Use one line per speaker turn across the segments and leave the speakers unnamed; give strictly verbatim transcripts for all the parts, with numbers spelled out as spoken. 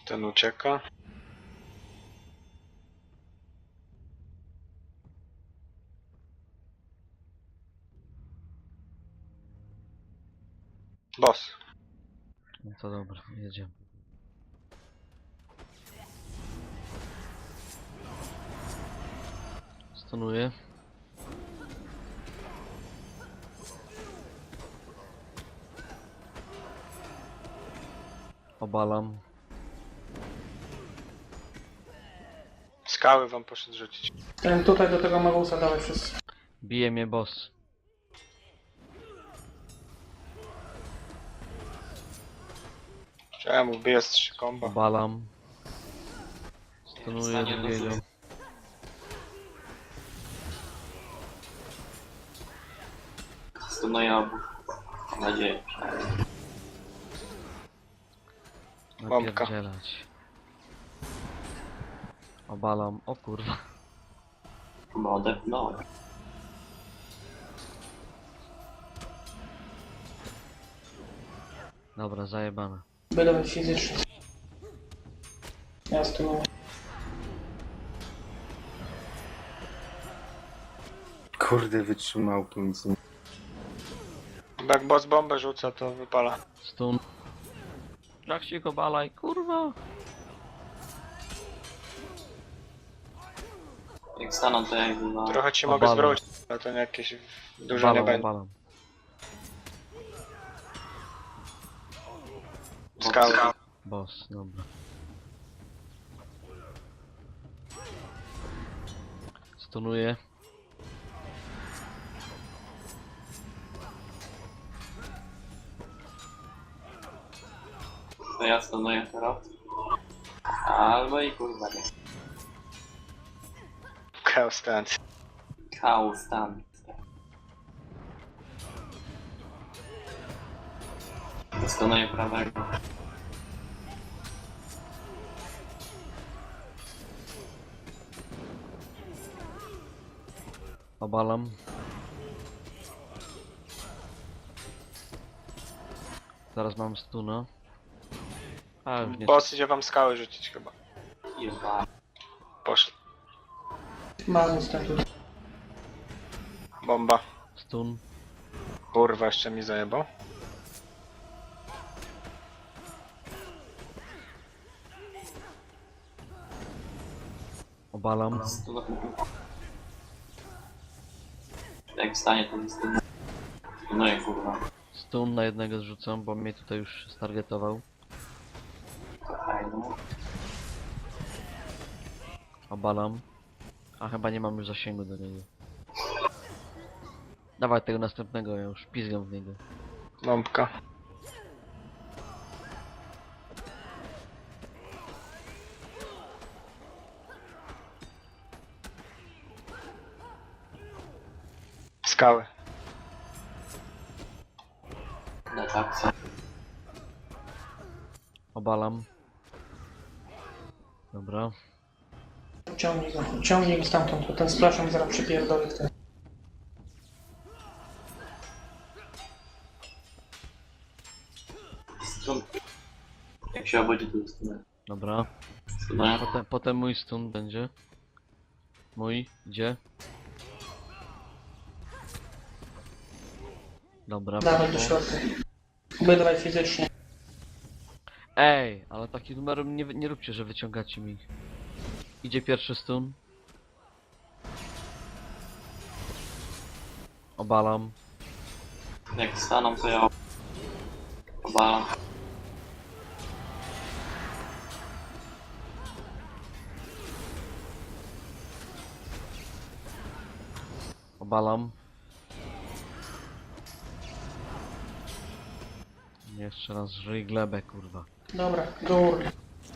Ten ucieka. Boss.
No to dobra, jedziemy. Stunuję. Obalam.
Skały wam poszedł rzucić.
Ten tutaj do tego Magusa dałeś wszyscy.
Bije mnie boss.
Czemu bije z trzy komba?
Obalam. Stunuję
Stanie do
drugiego.
góry. Stunuję obu. Mam nadzieję.
Bombka.
Napierdzielać. Obalam. O kurwa.
Chyba odepnąłem.
Dobra, zajebane.
Byle fizycznie. Ja tu.
Kurde, wytrzymał tu nic nie...
Jak boss bombę rzuca, to wypala.
Stun. Jak się go balaj, kurwa.
Jak staną to jakby no...
Trochę ci
Obalam.
mogę zwrócić, ale to nie jakieś dużo nie
Obalam,
będzie.
obalam.
Skały.
Boss, dobra. Stunuję.
To ja stunuję teraz. Albo i kurwa nie.
Chaos Dance.
Chaos stan. Stunuję prawego.
Obalam. Zaraz mam stuna. A już nie.
Boss idzie wam skały rzucić chyba.
Jeba.
Poszedł.
Magus ten tu.
Bomba.
Stun.
Kurwa, jeszcze mi zajebał.
Obalam.
Stunuję. Jak wstanie to mi stunuję. Stunuję kurwa.
Stun na jednego zrzucam, bo mnie tutaj już stargetował.
Fajno.
Obalam. A chyba nie mam już zasięgu do niego. Dawaj tego następnego, ja już pizgam w niego.
Bombka. Skały.
Na taksa.
Obalam. Dobra.
Ciągnij go. Ciągnij go stamtąd, bo ten splash mi zaraz przypierdoli w ten.
Stun. Jak się obudzi to stunuję.
Dobra.
Stunuję.
Potem, potem mój stun będzie. Mój, gdzie? Dobra,
Dawaj do
poszło.
środka. Byle fizycznie.
Ej, ale taki numer nie, nie róbcie, że wyciągacie mi. Idzie pierwszy stun. Obalam.
Jak staną to ja obalam.
Obalam. Jeszcze raz żyj glebę, kurwa.
Dobra, do urny.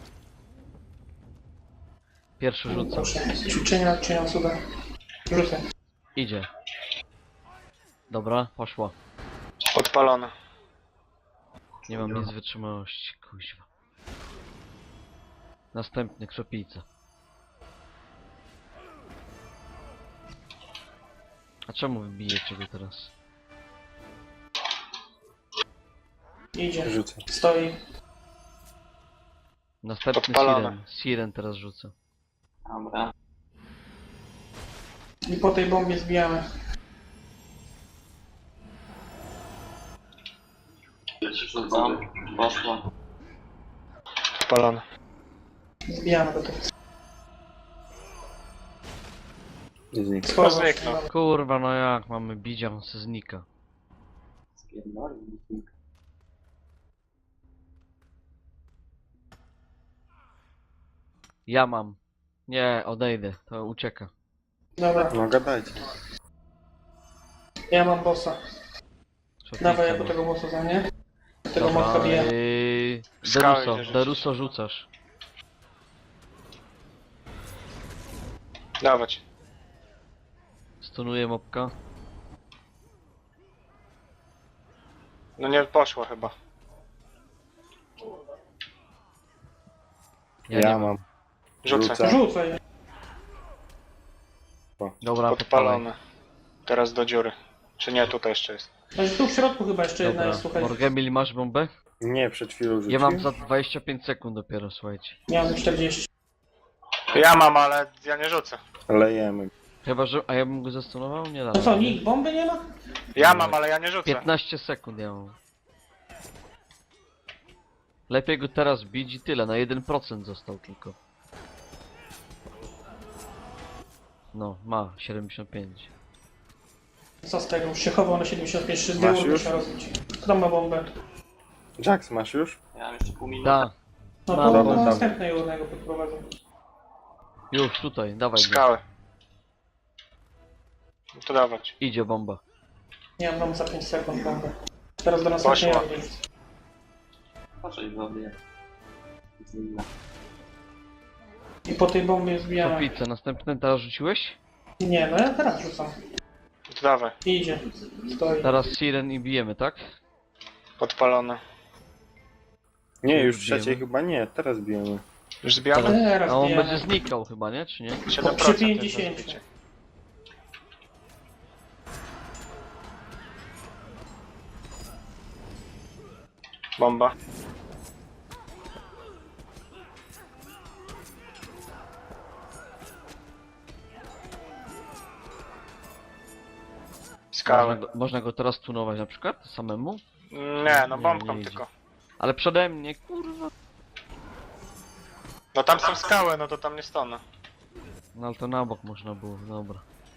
Pierwszy rzucam.
Proszę. Ćwiczenia czynią cuda. Rzucę.
Idzie. Dobra, poszła.
Odpalone.
Nie mam nic wytrzymałości, kuźwa. Następny, krzepica. A czemu wybijecie go teraz?
Idzie.
Rzucę.
Stoi.
Następny
Podpalone.
Siren. Siren teraz rzucę.
Dobra.
I po tej bombie zbijamy.
Rzucam. Poszło.
Podpalone.
Zbijamy do tego.
Znik.
To zniknął.
Kurwa, no jak mamy bicia, on se znika.
Spierdolił.
Ja mam. Nie, odejdę, to ucieka.
Dobra,
No gadajcie.
ja mam bossa.
Człowieka,
Dawaj jako
no.
tego bossa za mnie. Tego
Dobra,
mocno bije.
yy,
Skały
Deruso,
idzie rzucić.
Deruso rzucasz.
Dawać.
Stunuję mopka.
No nie poszło chyba.
Ja,
Ja,
nie mam.
mam.
Rzucę.
Rzucę.
Rzucaj.
Dobra, podpalaj.
Podpalone. Teraz do dziury. Czy nie, tutaj jeszcze jest.
Znaczy tu w środku chyba jeszcze jedna
Dobra,
jest, słuchaj.
Morgemil, masz bombę?
Nie, przed chwilą rzuciłem.
Ja mam za dwadzieścia pięć sekund dopiero, słuchajcie.
Miałem czterdzieści.
Ja mam, ale ja nie rzucę.
Lejemy.
Chyba, że... A ja bym go zastunował? Nie da.
No co, nikt bomby nie ma?
Ja mam, ale ja nie rzucę.
piętnaście sekund ja mam. Lepiej go teraz bić i tyle, na jeden procent został tylko. No, ma siedemdziesiąt pięć.
Co z tego? Już się chował na siedemdziesiąt pięć, trzy
Masz
dyłu
już?
trzeba rozbić. Kto tam ma bombę?
Jax, masz już?
Ja mam jeszcze pół minuty.
Da,
No
Mam
to
bombę.
do następnej urnego podprowadzę.
już tutaj, dawaj go.
Skały. No to dawać.
Idzie bomba.
Nie mam za pięć sekund bombę. Teraz do następnej
Poszła.
urny.
Patrzaj w sobie. Inna.
I po tej bombie zbijamy.
Topice, następny teraz rzuciłeś?
Nie, no ja teraz rzucam.
No to dawaj.
I idzie. Stoi.
Teraz Siren i bijemy, tak?
Podpalone.
Nie, już
Bijemy.
trzeciej chyba nie, teraz bijemy.
Już zbijamy?
Teraz
A on
zbijamy.
będzie znikał chyba, nie? Czy nie?
siedem
przy
procent jest
pięćdziesięciu.
rozbicie. Bomba.
Można
Skały.
go, można go teraz tunować na przykład samemu?
Nie, no
Nie,
bombką
nie idzie.
tylko.
Ale przede mnie, kurwa.
No tam są skały, no to tam nie stanę.
No ale to na bok można było, dobra.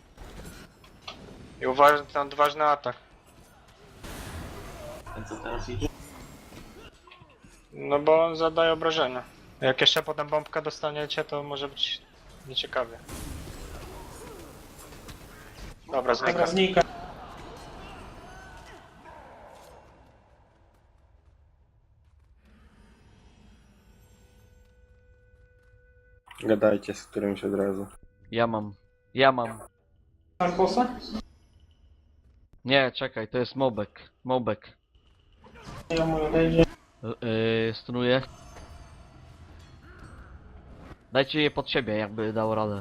I uważaj ten odważny atak.
A co teraz idzie?
No bo on zadaje obrażenia. Jak jeszcze potem bombkę dostaniecie, to może być nieciekawie. Dobra, znika.
Dobra, znika.
Gadajcie z którymś od razu.
Ja mam. Ja mam.
Masz bossa?
Nie, czekaj, to jest mobek. Mobek.
Ja mój odejdzie.
Yy, stunuję. Dajcie je pod siebie, jakby dał radę.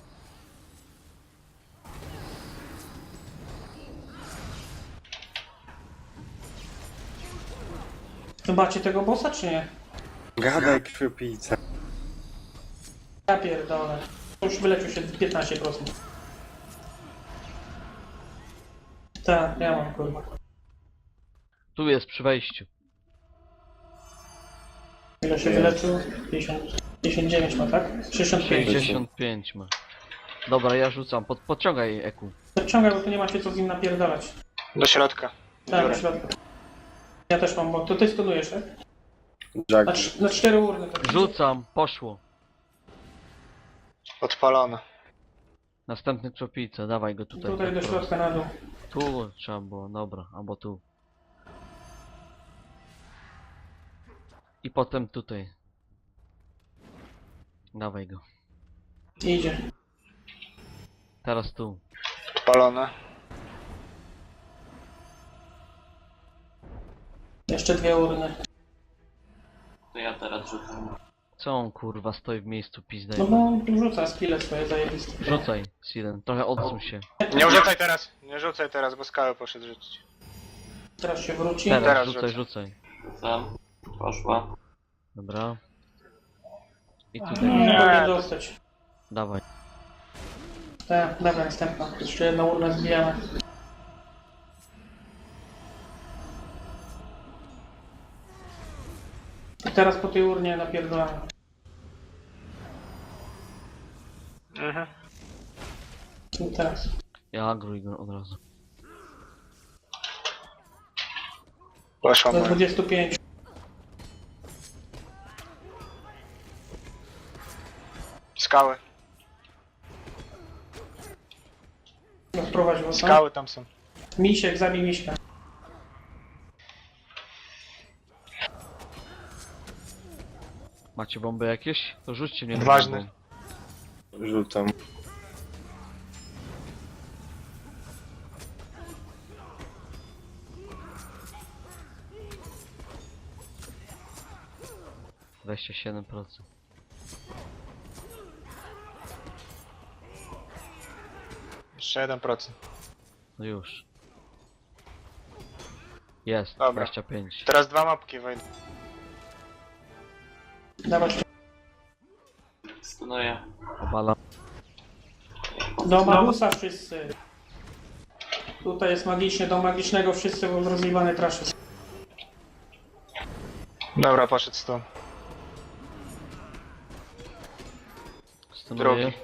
Zobaczcie tego bossa czy nie?
Gadaj, krwiopijca.
Ja pierdolę. Już wyleczył się piętnaście procent. Tak, ja mam kurwa.
Tu jest przy wejściu.
Ile się
Jest.
wyleczył? pięćdziesiąt, pięćdziesiąt dziewięć ma, tak? sześćdziesiąt pięć.
sześćdziesiąt pięć ma. Dobra, ja rzucam. Pod, podciągaj Eku.
Podciągaj, bo tu nie macie co z nim napierdalać.
Do środka.
Tak,
Dziurę.
do środka. Ja też mam, bo to ty stunujesz, tak? Na,
Jax.
cz- na cztery urny. Tak.
Rzucam, poszło.
Odpalone.
Następny krzopice, dawaj go tutaj.
Tutaj do
po
środka na dół.
prostu. Tu trzeba było, dobra, albo tu. I potem tutaj. Dawaj go.
Idzie.
Teraz tu.
Odpalone.
Jeszcze dwie urny.
To ja teraz rzucam.
Co on kurwa stoi w miejscu pizdę?
No bo rzuca skille swoje zajebiste.
Rzucaj, Siren, trochę odsuń się.
Nie rzucaj teraz. Nie rzucaj teraz, bo skały poszedł rzucić.
Teraz się wróci.
Teraz,
Teraz
rzucaj,
rzucę.
rzucaj.
Rzucam. Poszła.
Dobra. I
Aha,
tutaj.
nie
Nie.
mogę dostać.
Dawaj.
Tak, dobra, następna. Jeszcze jedną urnę zbijamy. I teraz po tej urnie napierdolamy.
Mhm.
I teraz.
Ja agruj go od razu.
Poszła
Do
moja.
dwudziestu pięciu.
Skały.
Rozprowadź go.
Skały tam są.
Misiek, zabij miśka.
Macie bomby jakieś? To rzućcie mnie na
Ważne.
bombą.
Rzucam.
dwadzieścia siedem procent.
Jeszcze jeden procent.
No już. Jest,
Dobra.
dwadzieścia pięć.
Teraz dwa mapki wejdą.
Dawać.
Stunuję.
Obalam.
Do Magusa wszyscy. Tutaj jest magicznie, do magicznego wszyscy, bo rozjebane traszy.
Dobra, poszedł stąd.
Stunuję.
Drugi.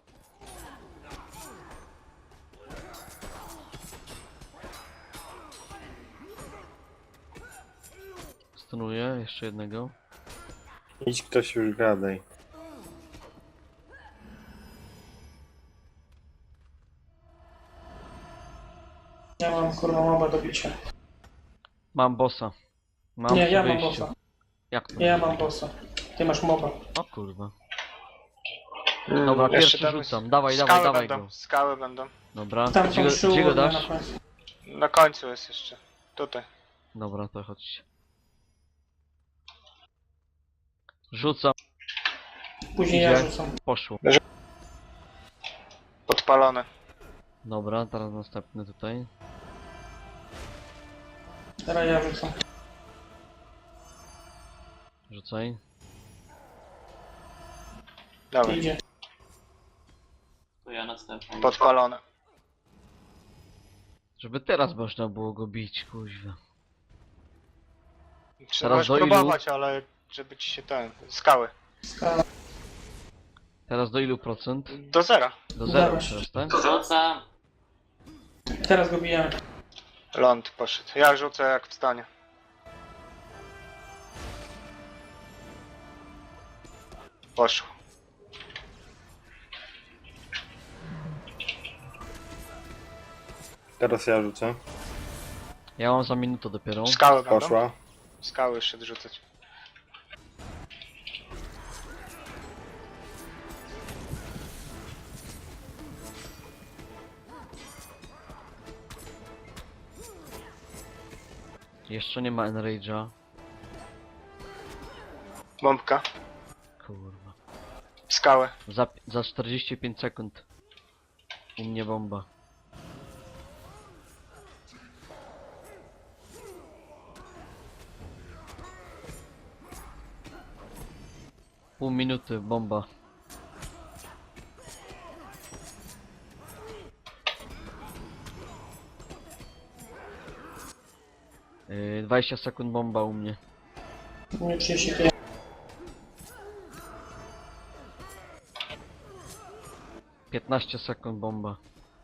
Stunuję, jeszcze jednego.
Idź ktoś już gadaj.
Ja mam kurwa moba do bicia.
Mam bossa. Mam
Nie,
przy
ja mam
wyjściu.
bossa.
Jak to?
Ja mam bossa. Ty masz moba.
O kurwa. Dobra,
Jeszcze
pierwszy
tam jest-
rzucam. Dawaj,
Skały
dawaj, dawaj
będą.
go.
Skały będą.
Dobra,
Tam
gdzie
są
go,
trzy
gdzie go
urny
dasz?
na końcu.
Na końcu jest jeszcze. Tutaj.
Dobra, to chodźcie. Rzucam,
Później
Idzie.
ja rzucam.
poszło.
Podpalone.
Dobra, teraz następny tutaj.
Teraz ja rzucam.
Rzucaj.
Dobra.
Idzie.
To ja następny.
Podpalone.
Żeby teraz można było go bić, kuźwa.
Trzeba
Teraz do ilu?
próbować, ale żeby ci się ten... Skały.
Skala.
Teraz do ilu procent?
Do zera.
Do zera
Dobra.
teraz, tak?
Rzucam.
Teraz go bijemy.
Ląd poszedł. Ja rzucę jak wstanie. Poszło.
Teraz ja rzucę.
Ja mam za minutę dopiero.
Skały będą.
Poszła.
Skały jeszcze rzucać.
Jeszcze nie ma Enrage'a.
Bombka.
Kurwa.
Skały.
Za, za czterdzieści pięć sekund. U mnie bomba. Pół minuty, bomba. Yy, dwadzieścia sekund bomba u mnie.
U mnie trzydzieści pięć.
piętnaście sekund bomba.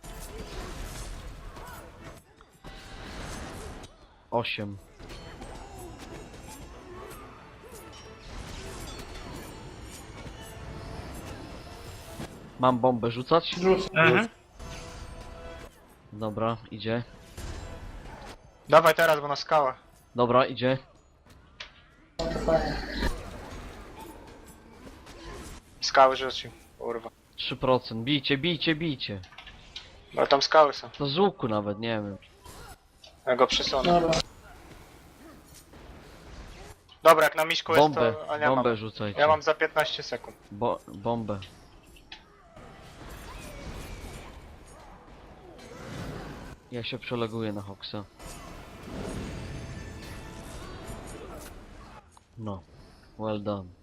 osiem. Mam bombę rzucać?
Rzucam.
Mhm.
Dobra, idzie.
Dawaj teraz, bo na skałę.
Dobra, idzie.
No to fajnie.
Skały rzucił. Kurwa.
trzy procent. Bijcie, bijcie, bijcie.
Ale tam skały są.
To z łuku nawet, nie wiem.
Ja go przesunę.
Dobra.
Dobra, jak na miśku jest
Bombę,
to... A nie
bombę
mam.
rzucajcie.
Ja mam za piętnaście sekund.
Bo, bombę. Ja się przeleguję na Hoxa. No. Well done.